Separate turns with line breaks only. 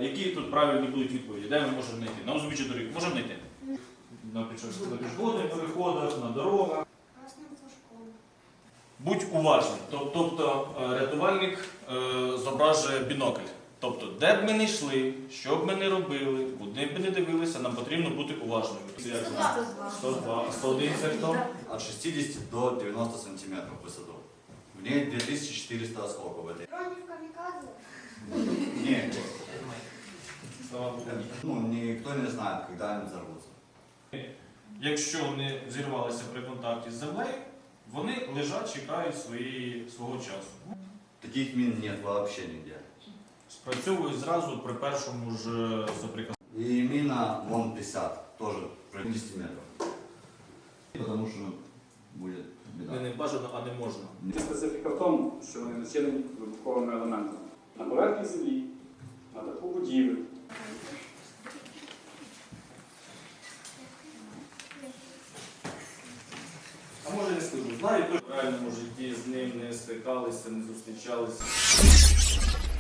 які тут правильні будуть відповіді? Де ми можемо знайти? На узбіччі доріг можемо знайти? На пішохідних переходах, на дорогах. Будь уважним. Тобто рятувальник зображує бінокль. Тобто, де б ми не йшли, що б ми не робили, куди б ми не дивилися, нам потрібно бути уважними. 102. А 101 це хто?
От 60 до 90 сантиметров в высоту. В ней 2400 осколков в этой.
Дронів камікадзе?
Нет.
Слава Богу.
Ну, никто не знает, когда они взорвутся.
Якщо вони зірвалися при контакті з землею, вони лежать, чекають свого часу.
Таких мин нет вообще нигде.
Спрацьовують зразу при першому ж соприкосновенні.
И мина вон 50, тоже при 10 метров. Потому что будет беда.
Не бажано, а не можна.
Специфіка в тому, що вони начинені вибуховими елементами. На поверхні землі, на даху будівель.
А може не скажу, знаю, в реальному житті з ним не стикалися, не зустрічалися.